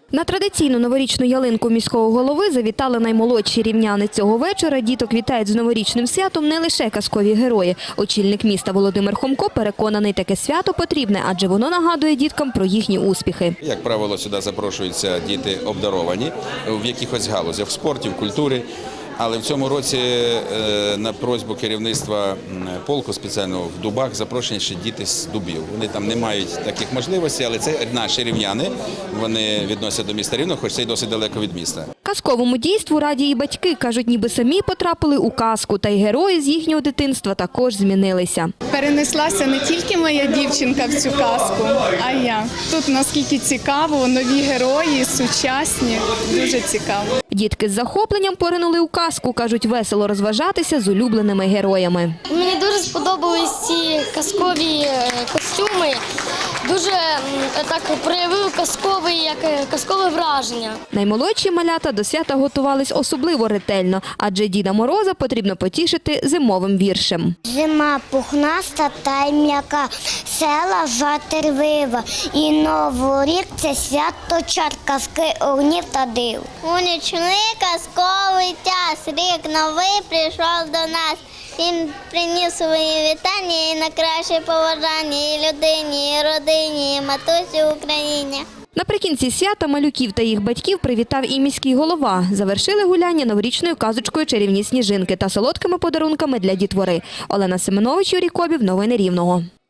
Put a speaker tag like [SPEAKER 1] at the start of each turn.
[SPEAKER 1] На традиційну новорічну ялинку міського голови завітали наймолодші рівняни. Цього вечора діток вітають з новорічним святом не лише казкові герої. Очільник міста Володимир Хомко переконаний, таке свято потрібне, адже воно нагадує діткам про їхні успіхи.
[SPEAKER 2] Як правило, сюди запрошуються діти обдаровані в якихось галузях, в спорті, в культурі. Але в цьому році на просьбу керівництва полку спеціально в Дубах запрошені ще діти з Дубів. Вони там не мають таких можливостей, але це наші рівняни. Вони відносять до міста Рівного, хоч це й досить далеко від міста.
[SPEAKER 1] Казковому дійству раді і батьки. Кажуть, ніби самі потрапили у казку, та й герої з їхнього дитинства також змінилися.
[SPEAKER 3] Перенеслася не тільки моя дівчинка в цю казку, а й я. Тут наскільки цікаво, нові герої, сучасні, дуже цікаво.
[SPEAKER 1] Дітки з захопленням поринули у казку, кажуть, весело розважатися з улюбленими героями.
[SPEAKER 4] Мені дуже сподобались ці казкові костюми. Дуже так проявив казкове враження.
[SPEAKER 1] Наймолодші малята до свята готувались особливо ретельно, адже Діда Мороза потрібно потішити зимовим віршем.
[SPEAKER 5] Зима пухнаста та й м'яка, села затервива, і Новий рік – це свято чар, казки, огнів та див.
[SPEAKER 6] У нічний казковий час, рік новий прийшов до нас. Він приніс свої вітання і на краще побажання і людині, і родині, і матусі Україні.
[SPEAKER 1] Наприкінці свята малюків та їх батьків привітав і міський голова. Завершили гуляння новорічною казочкою «Чарівні сніжинки» та солодкими подарунками для дітвори. Олена Семенович, Юрій Кобів. Новини Рівного.